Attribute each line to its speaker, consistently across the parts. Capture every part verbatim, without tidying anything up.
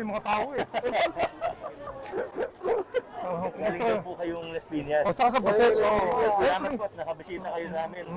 Speaker 1: yung mga tao eh. Oh,
Speaker 2: Galing daw po kayong Las Piñas.
Speaker 1: O, saka sa Basel.
Speaker 2: Salamat po at nakabisita kayo sa amin.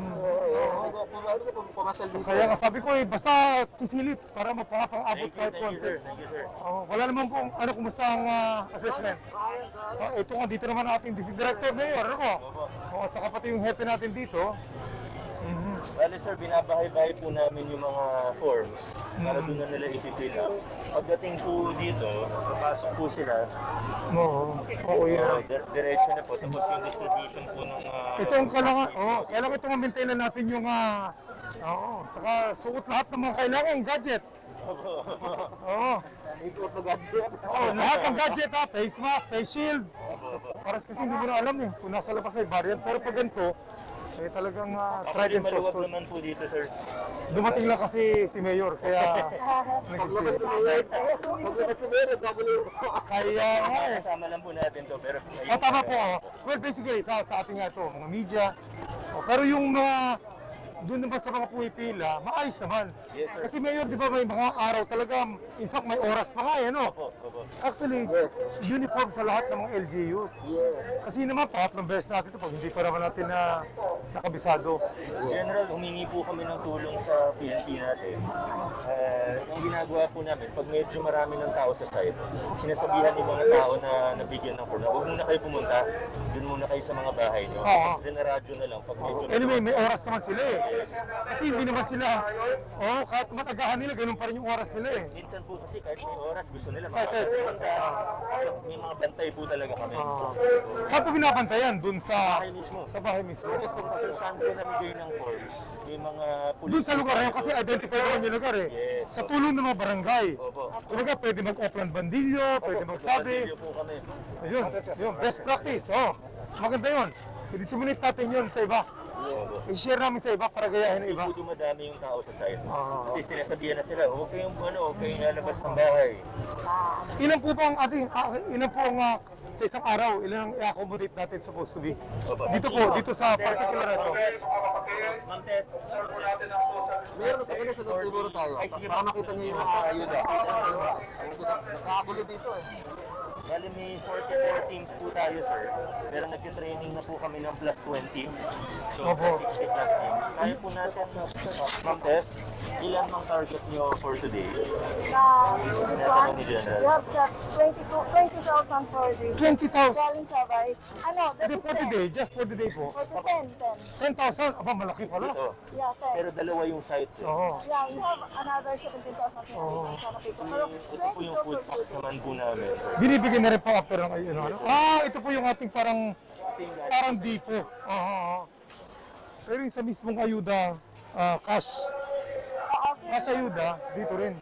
Speaker 1: Kaya nga sabi ko eh, basta sisilip para mapapang-abot
Speaker 2: Thank you,
Speaker 1: kahit
Speaker 2: thank you
Speaker 1: konti.
Speaker 2: sir. Thank you sir.
Speaker 1: Oh, wala naman po, ano, kumusta ang ah, assessment? Oh, ito nga, dito naman ating district director mayor, ano ko? Oh, at saka pati yung hepe natin dito. Mhm.
Speaker 2: Bale sir, binabahay-bahay po namin yung mga forms para doon na nila isi-fill up. Pagdating po dito, papasok po sila.
Speaker 1: Oo, oo
Speaker 2: Uh,
Speaker 1: yan.
Speaker 2: dir- diretso na po. Tapos yung distribution po ng... Uh,
Speaker 1: Ito ang kailangan, oh, kailangan ito ma-maintain na natin yung, ah, oo, saka suot lahat ng mga kailangan, gadget. Oo.
Speaker 2: Isuot na gadget.
Speaker 1: Oo, lahat ng gadget ha, face mask, face shield. Para kasi hindi mo na alam eh, kung nasa labas ay variant. Pero pag ganito, eh talagang uh, tried and
Speaker 2: maluwag
Speaker 1: trusted.
Speaker 2: naman po dito sir.
Speaker 1: Dumating lang kasi si Mayor, kaya
Speaker 2: Paglabas
Speaker 1: nag-isip.
Speaker 2: ni Mayor, paglabas ni Mayor, double
Speaker 1: Kaya nga eh.
Speaker 2: kasama lang po natin to, pero...
Speaker 1: O tama po, oh. Well basically, sa, sa ating nga ito, mga media. Oh, pero yung mga, doon naman sa mga pumipila, maayos naman.
Speaker 2: Yes, sir.
Speaker 1: Kasi Mayor, di ba may mga araw talaga, in fact may oras pa nga eh, no?
Speaker 2: Opo, opo.
Speaker 1: Actually, uniform sa lahat ng mga L G Us. Kasi naman, pangatlong beses natin ito pag hindi pa naman natin na nakabisado.
Speaker 2: General, humingi po kami ng tulong sa P N P natin. Uh, ang ginagawa po namin, pag medyo marami ng tao sa site, sinasabihan yung mga tao na nabigyan ng form, huwag muna kayo pumunta, dun muna kayo sa mga bahay nyo.
Speaker 1: Oo.
Speaker 2: Then radyo na lang pag medyo...
Speaker 1: Anyway, may oras naman sila eh. Kasi hindi naman sila, oh, kahit matagahan nila, ganun pa rin yung oras nila eh.
Speaker 2: Minsan po kasi kahit may oras, gusto nila
Speaker 1: Excited.
Speaker 2: makapagpunta. May mga bantay po talaga kami.
Speaker 1: Ah. Saan po binabantayan? Doon sa
Speaker 2: Bahay mismo.
Speaker 1: sa bahay mismo.
Speaker 2: Kung saan po namigay ng forms, may mga pulis.
Speaker 1: Doon sa lugar na yun, kasi identify naman yung lugar eh.
Speaker 2: Yes.
Speaker 1: Sa tulong ng mga barangay.
Speaker 2: Opo.
Speaker 1: Kumbaga, pwede mag-Opland Bandilyo, pwede magsabi.
Speaker 2: Bandilyo po kami.
Speaker 1: Ayun, yun, best practice. Oh, maganda yun. I-disseminate natin yun sa iba.
Speaker 2: Opo.
Speaker 1: I-share namin sa iba para gayahin ng
Speaker 2: Hindi
Speaker 1: iba.
Speaker 2: po dumadami yung tao sa site.
Speaker 1: Ah.
Speaker 2: Kasi sinasabihan na sila, huwag kayong ano, huwag kayong lalabas ng bahay.
Speaker 1: Ilan po ba ang ating, ah, ilan po ang ah, sa isang araw, ilan ang i-accommodate natin supposed to be?
Speaker 2: Opo.
Speaker 1: Dito po, dito sa particular ito.
Speaker 2: Ma'am Tess,
Speaker 3: Meron sa kanya sa siguro tayo.
Speaker 2: Ay, sige,
Speaker 3: Para
Speaker 2: ma'am.
Speaker 3: makita niyo yung mga ayuda. Nakakulo dito eh.
Speaker 2: bali may forty-four teams po tayo, sir. Pero nag-training na po kami ng plus twenty. So,
Speaker 1: Opo.
Speaker 2: sixty plus teams. Kaya po natin, Ma'am Tess, ilan mang target nyo for today?
Speaker 4: Na this
Speaker 2: Tinatanong
Speaker 4: one,
Speaker 2: ni General.
Speaker 4: you have set twenty-two twenty thousand for this.
Speaker 1: twenty thousand.
Speaker 4: Galing sabay. Ano, that
Speaker 1: Hindi,
Speaker 4: is
Speaker 1: for the
Speaker 4: ten.
Speaker 1: day, just for the day po.
Speaker 4: For the ten, ten.
Speaker 1: ten thousand? Aba, malaki pala.
Speaker 2: Ito.
Speaker 4: Yeah, ten.
Speaker 2: Pero dalawa yung sites. Eh.
Speaker 1: Oo.
Speaker 4: Yeah, we have another seventeen thousand
Speaker 1: Oh.
Speaker 4: people. Pero
Speaker 2: Ito po yung food packs naman po namin. sir.
Speaker 1: Binibigyan na rin po after ng ayun. Ano? Ah, ito po yung ating parang, parang depot. Oo. oo. Pero yung sa mismong ayuda, ah, cash. Cash ayuda, dito rin.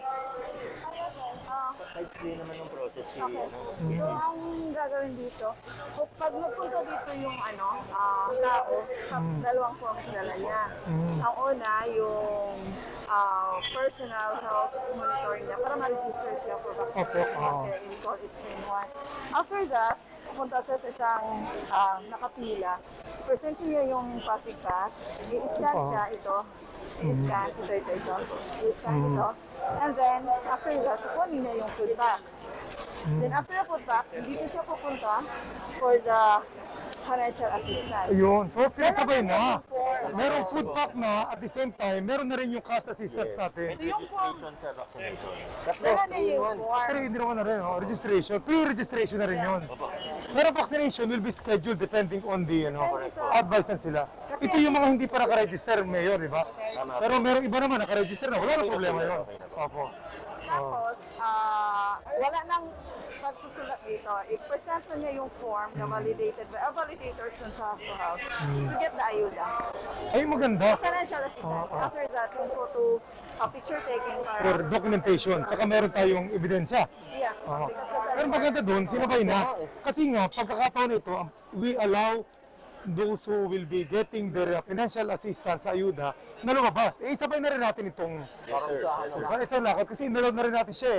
Speaker 2: Kahit clear naman yung process. Si,
Speaker 4: Okay.
Speaker 2: ano,
Speaker 1: Mm.
Speaker 4: So, ang gagawin dito, kung pag nagpunta dito yung ano, ah, tao, sa
Speaker 1: Mm.
Speaker 4: dalawang forms dala niya.
Speaker 1: Mm.
Speaker 4: Ang una, yung ah, personal health monitoring niya para ma-register siya for vaccination.
Speaker 1: Opo, oo.
Speaker 4: Okay, we call it train one. After that, pupunta siya sa isang ah, nakapila. Present niya yung Pasig Pass. I-scan
Speaker 1: Opo.
Speaker 4: siya ito. I-scan ito, ito, ito. I-scan
Speaker 1: Mm.
Speaker 4: ito. And then, after that, kukunin niya yung food pack.
Speaker 1: Mm.
Speaker 4: Then after the food pack, dito siya pupunta for the financial assistance.
Speaker 1: Ayun. So, pinasabay na.
Speaker 4: Form.
Speaker 1: Merong food pack na, at the same time, meron na rin yung cash assistance
Speaker 2: Yes.
Speaker 1: natin.
Speaker 2: May registration sa vaccination.
Speaker 4: Dala niya yung
Speaker 1: Pero
Speaker 4: form.
Speaker 1: hindi naman na rin, oh, registration. Pre-registration na rin yun.
Speaker 2: Opo.
Speaker 1: Pero vaccination will be scheduled depending on the, ano,
Speaker 4: Thank you, sir.
Speaker 1: advice na sila. Ito yung mga hindi pa nakaregister, Mayor, di ba?
Speaker 2: Tama.
Speaker 1: Pero merong iba naman nakaregister na, wala na problema yun. Opo.
Speaker 4: Tapos, ah, wala nang pagsusulat dito. I-present na niya yung form na validated by a validators dun sa house to house to get the ayuda.
Speaker 1: Ay, maganda.
Speaker 4: Financial assistance.
Speaker 1: Oo, oo.
Speaker 4: After that, yung photo, uh, picture taking para...
Speaker 1: For documentation, saka meron tayong ebidensya.
Speaker 4: Yeah.
Speaker 1: Oo.
Speaker 4: Because that's
Speaker 1: Pero maganda doon, sinabay na. Kasi nga, pagkakataon ito, we allow those who will be getting their uh, financial assistance sa ayuda na lumabas. Eh, sabay na rin natin itong
Speaker 2: Yes, sir. Yes, sir.
Speaker 1: diba? Isang lakad kasi inalod na rin natin siya eh.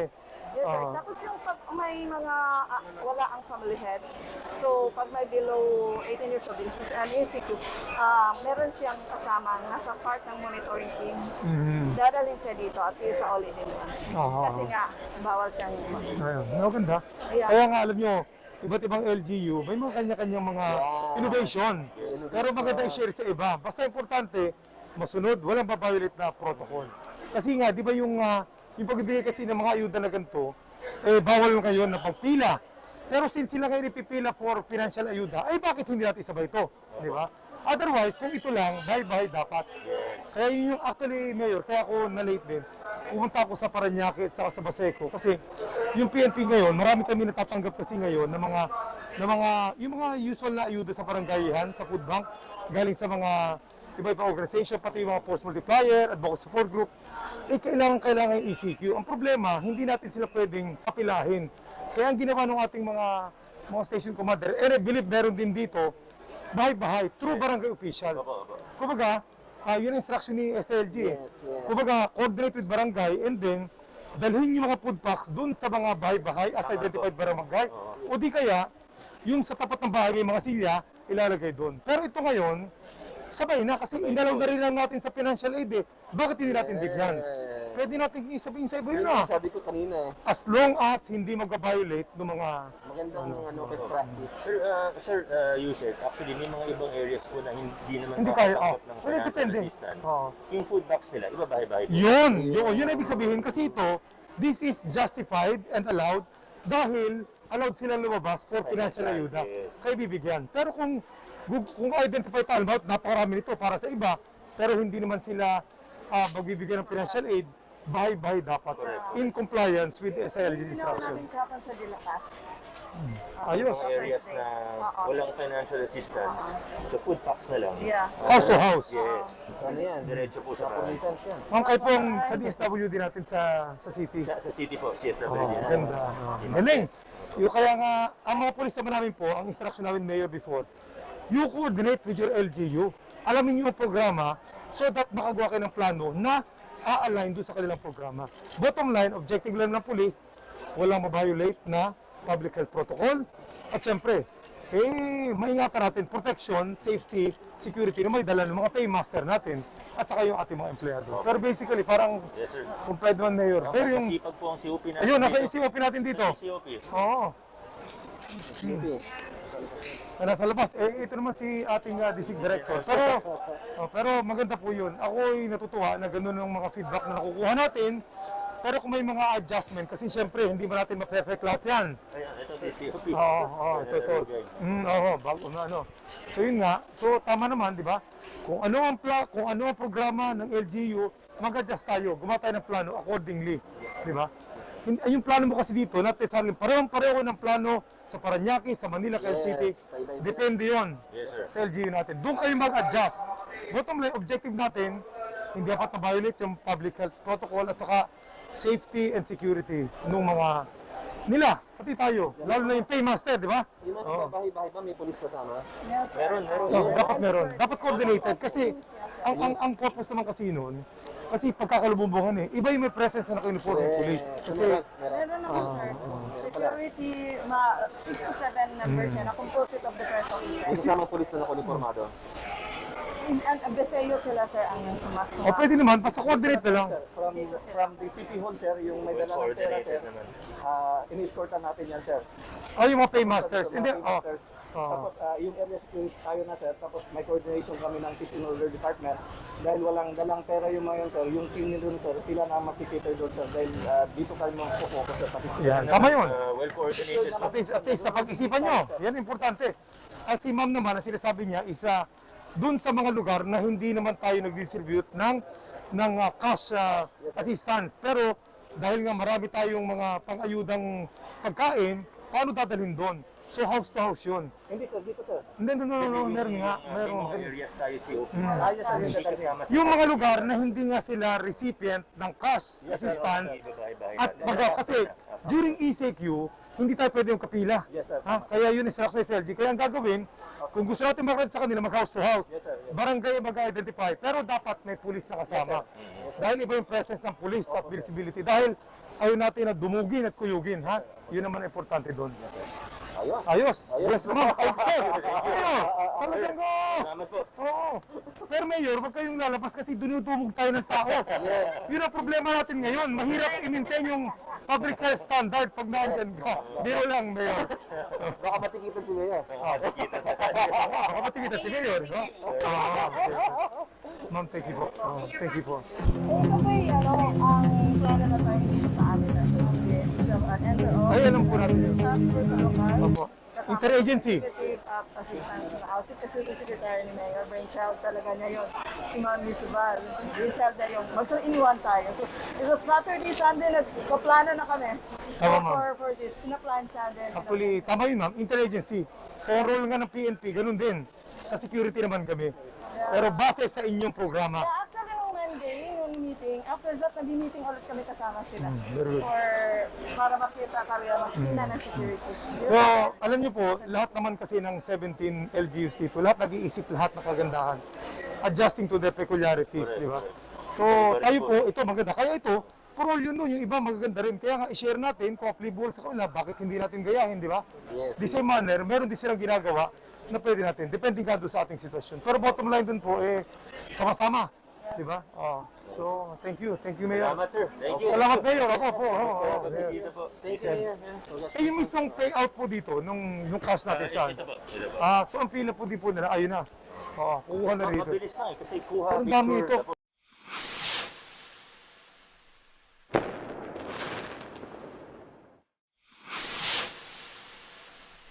Speaker 4: Yes, sir.
Speaker 1: Ah.
Speaker 4: Tapos yung pag may mga ah, wala ang family head, so pag may below eighteen years old, business and E C Q, ah meron siyang kasama, nasa part ng monitoring team.
Speaker 1: Mhm.
Speaker 4: Dadalhin siya dito at least sa all in one.
Speaker 1: Ah.
Speaker 4: Kasi nga, bawal siyang
Speaker 1: Ayun, maganda.
Speaker 4: Yeah.
Speaker 1: Kaya nga alam nyo, iba't ibang L G U, may mga kanya-kanyang mga innovation. Pero maganda i-share sa iba. Basta importante, masunod, walang babiolate na protocol. Kasi nga, di ba yung, ah, yung pagbibigay kasi ng mga ayuda na ganito, eh, bawal ngayon na pagpila. Pero since sila ngayon ipipila for financial ayuda, ay bakit hindi natin isabay ito? Di ba? Otherwise, kung ito lang, bye-bye dapat. Kaya yun yung actually, Mayor, kaya ako na-late din. Pumunta ako sa Parañaque at saka sa Baseco kasi yung P N P ngayon, marami kami natatanggap kasi ngayon ng mga ng mga yung mga usual na ayuda sa barangayihan, sa food bank, galing sa mga iba-ibang organization, pati yung mga force multiplier, advocacy support group, eh kailangan kailangan yung E C Q. Ang problema, hindi natin sila pwedeng kapilahin. Kaya ang ginawa ng ating mga mga station commander, eh believe meron din dito, bahay-bahay, through barangay officials.
Speaker 2: Opo, opo.
Speaker 1: Kumbaga, ah yun ang instruction ni S L G. eh.
Speaker 3: Yes, yes.
Speaker 1: Kumbaga, coordinate with barangay and then dalhin yung mga food packs dun sa mga bahay-bahay as
Speaker 2: Tama
Speaker 1: identified
Speaker 2: po.
Speaker 1: barangay.
Speaker 2: Oo.
Speaker 1: O di kaya, yung sa tapat ng bahay may mga silya, ilalagay doon. Pero ito ngayon, sabay na kasi inalaw na rin lang natin sa financial aid eh. Bakit hindi natin bigyan?
Speaker 3: Eh,
Speaker 1: Pwede natin isabihin sa iba
Speaker 3: yun
Speaker 1: yun
Speaker 3: ang
Speaker 1: ah.
Speaker 3: sabi ko kanina eh.
Speaker 1: As long as hindi mag-violate ng mga...
Speaker 3: Magandang ano, best practice.
Speaker 2: Sir, uh, sir uh, Yusek, actually may mga ibang areas po na hindi naman
Speaker 1: Hindi kaya, oh.
Speaker 2: makakatanggap ng
Speaker 1: Well,
Speaker 2: financial
Speaker 1: depende.
Speaker 2: assistance.
Speaker 1: Oo.
Speaker 2: Yung food box nila, iba bahay-bahay po.
Speaker 1: Yun, yun, yun ang ibig sabihin kasi ito, this is justified and allowed dahil allowed silang lumabas for financial ayuda.
Speaker 2: Yes.
Speaker 1: Kaya bibigyan. Pero kung kung identify tayo about napakarami nito para sa iba, pero hindi naman sila uh, magbibigyan ng financial aid, bahay-bahay dapat in compliance with the S I L G
Speaker 4: Ginawa
Speaker 1: instruction.
Speaker 4: namin kahapon sa Dilapas.
Speaker 1: Ayos.
Speaker 2: Mga areas na
Speaker 4: Oo.
Speaker 2: walang financial assistance, so food packs na lang.
Speaker 4: Yeah.
Speaker 2: Uh,
Speaker 1: House to house.
Speaker 2: Yes.
Speaker 3: Sana yan.
Speaker 2: Diretso po
Speaker 3: Sa
Speaker 2: sa
Speaker 3: provincials yan.
Speaker 1: Ang kayo pong sa D S W din natin sa sa city.
Speaker 2: sa, sa city po, C S W.
Speaker 1: Oh, ganda. Galing. Yung kaya nga, ang mga polis naman namin po, ang instruction namin mayor before, you coordinate with your L G U. Alamin niyo yung programa so that makagawa kayo ng plano na a-align doon sa kanilang programa. Bottom line, objective lang ng police, walang ma-violate na public health protocol. At siyempre, eh, maingatan natin protection, safety, security na may dala ng mga paymaster natin at saka yung ating mga empleyado. Pero basically, parang
Speaker 2: Yes, sir.
Speaker 1: complied man mayor. Pero yung,
Speaker 2: Masipag po ang C O P natin.
Speaker 1: ayun, nasa
Speaker 2: dito.
Speaker 1: C O P natin dito.
Speaker 2: Nasa C O P.
Speaker 1: Oo.
Speaker 3: Sige.
Speaker 1: Na nasa labas. Eh, ito naman si ating uh, district director. Pero, oh, pero maganda po yun. Ako ay natutuwa na gano'n ang mga feedback na nakukuha natin. Pero kung may mga adjustment, kasi syempre, hindi ba natin ma-perfect lahat yan.
Speaker 2: Ayan, ito si C O P.
Speaker 1: Oo, oo, ito, ito. Mm, oo, bago na ano. So yun nga, so tama naman, di ba? Kung ano ang pla kung ano ang programa ng L G U, mag-adjust tayo, gumawa tayo ng plano accordingly, di ba? Hin- Yung plano mo kasi dito, natin parehong-pareho ng plano sa Parañaque, sa Manila, Quezon
Speaker 3: Yes,
Speaker 1: City.
Speaker 3: tayo-tayo.
Speaker 1: Depende yon
Speaker 2: Yes, sir.
Speaker 1: sa L G U natin. Doon kayo mag-adjust. Bottom line, objective natin, hindi dapat na-violate yung public health protocol at saka safety and security ng mga nila, pati tayo. Lalo na yung paymaster, di ba?
Speaker 3: Yung mga
Speaker 1: Oo.
Speaker 3: bahay-bahay ba may polis kasama?
Speaker 4: Yes, sir.
Speaker 2: Meron, meron.
Speaker 1: No, dapat meron. Dapat coordinated kasi ang ang ang purpose naman kasi noon, kasi pagkakalububungan eh, iba yung may presence na naka-uniform ng police. Kasi
Speaker 3: Meron, meron.
Speaker 4: Meron naman,
Speaker 1: Ah,
Speaker 4: sir.
Speaker 3: oo.
Speaker 4: Security, ma six to seven members
Speaker 1: Mm.
Speaker 4: yan, na composite of the press
Speaker 3: May
Speaker 4: officers.
Speaker 3: kasama polis na nakuniformado.
Speaker 4: In an Abeseyo sila, sir, ang sumasuma.
Speaker 1: o pwede naman, basta coordinate na lang.
Speaker 3: Sir, from, from the City Hall, sir, yung may
Speaker 2: Well
Speaker 3: dala ng pera,
Speaker 2: coordinated
Speaker 3: sir,
Speaker 2: naman.
Speaker 3: ah, in-escortan natin yan, sir.
Speaker 1: O yung mga paymasters.
Speaker 3: Mga
Speaker 1: Hindi, oh.
Speaker 3: paymasters.
Speaker 1: Oh.
Speaker 3: Tapos ah, yung area security tayo na, sir. Tapos may coordination kami ng Peace and Order Department. Dahil walang dalang pera yung mga yun, sir. Yung team nyo dun, sir, sila na ang makikita doon, sir. Dahil ah, dito kami mag-focus sa participation.
Speaker 1: Yan, tama yun.
Speaker 2: Uh, well coordinated.
Speaker 1: At least, at least napag-isipan nyo. Yan importante. At si ma'am naman, ang sinasabi niya, isa dun sa mga lugar na hindi naman tayo nag-distribute ng, ng uh, cash uh, assistance. Pero dahil nga marami tayong mga pang-ayudang pagkain, paano dadalhin doon? So house to house yun.
Speaker 3: Hindi, sir. Dito, sir.
Speaker 1: Hindi, no, no, no, meron nga.
Speaker 2: May
Speaker 1: Meron.
Speaker 2: mga areas tayo C O P.
Speaker 1: Mm.
Speaker 3: Ah, yes, sir.
Speaker 2: Hindi
Speaker 3: Yes, sir.
Speaker 2: kasama sa
Speaker 1: Yung mga lugar na hindi nga sila recipient ng cash
Speaker 3: Yes, sir.
Speaker 1: assistance,
Speaker 2: Iba bahay-bahay
Speaker 1: at
Speaker 2: natin.
Speaker 1: baga kasi during E C Q, hindi tayo pwede yung kapila.
Speaker 3: Yes, sir.
Speaker 1: Ha? Kaya yun instruction sa L G. Kaya ang gagawin, kung gusto natin mag-rent sa kanila, mag-house to house.
Speaker 3: Yes, sir. Yes, sir.
Speaker 1: Barangay mag-identify, pero dapat may pulis na kasama.
Speaker 2: Mm.
Speaker 3: Yes, sir.
Speaker 1: Dahil iba yung presence ng pulis at visibility. Dahil ayaw natin na dumugin at kuyugin, ha? Yun naman ang importante doon.
Speaker 3: Ayos.
Speaker 1: Ayos.
Speaker 3: Ayos.
Speaker 1: Yes, ma'am. Okay. Ano? Talagang ko.
Speaker 2: Salamat po.
Speaker 1: Oo. Pero Mayor, wag kayong lalabas kasi dunudumog tayo ng tao. Yun ang problema natin ngayon. Mahirap i-maintain yung public health standard pag naandyan ka. Biro lang, Mayor.
Speaker 3: Baka matikitan si Mayor.
Speaker 1: Ah,
Speaker 2: Nakikita na
Speaker 1: baka pati kita si Mayor, no? Ah, okay. Ma'am, thank you po. Oh, thank you po.
Speaker 4: Ito ba yung ano, ang plano na tayo dito sa amin na sa C D S, sa uh, N R O,
Speaker 1: Ay, alam po natin yun.
Speaker 4: transfer sa lokal,
Speaker 1: Opo.
Speaker 4: kasama
Speaker 1: Interagency.
Speaker 4: yung executive uh, assistant sa House Executive Secretary ni Mayor, brainchild talaga niya yun. Si Ma'am Misubal, brainchild na yung mag-iniwan tayo. So, ito Saturday, Sunday, nagpaplano na kami. So,
Speaker 1: Tama, ma'am.
Speaker 4: for, for this, pinaplansya din.
Speaker 1: Actually, tama yun, ma'am. Interagency. Kaya role nga ng P N P, ganun din. Sa security naman kami. Pero base sa inyong programa.
Speaker 4: Yeah, actually, nung Monday, yung meeting, after that, nag-meeting ulit kami kasama sila.
Speaker 1: Hmm, very good.
Speaker 4: For, para makita kaya makita ng security.
Speaker 1: So, alam niyo po, lahat naman kasi ng seventeen L G Us dito, lahat nag-iisip lahat ng kagandahan. Adjusting to the peculiarities, di ba? So, tayo po, ito maganda. Kaya ito, for all yun doon, yung iba magaganda rin. Kaya nga, i-share natin kung applicable sa kanila, bakit hindi natin gayahin, di ba?
Speaker 3: Yes.
Speaker 1: The same manner, meron din silang ginagawa na pwede natin, depende nga doon sa ating sitwasyon. Pero bottom line dun po, eh, sama-sama, di ba? Oh. So, thank you, thank you, Mayor.
Speaker 2: Salamat, sir. Thank you.
Speaker 1: Salamat, Mayor. Ako po. Oh, oh,
Speaker 2: Salamat,
Speaker 1: Mayor.
Speaker 2: dito po.
Speaker 3: Thank you, Mayor.
Speaker 1: Eh, yung mismong payout po dito, nung, nung cash natin
Speaker 2: Ah,
Speaker 1: saan?
Speaker 2: ito po. Ito po.
Speaker 1: Ah, so ang pila po di po nila, ayun na. Oo, kukuha na rito.
Speaker 2: Mabilis lang eh, kasi kuha
Speaker 1: Ang dami
Speaker 2: picture,
Speaker 1: ito.
Speaker 2: tapos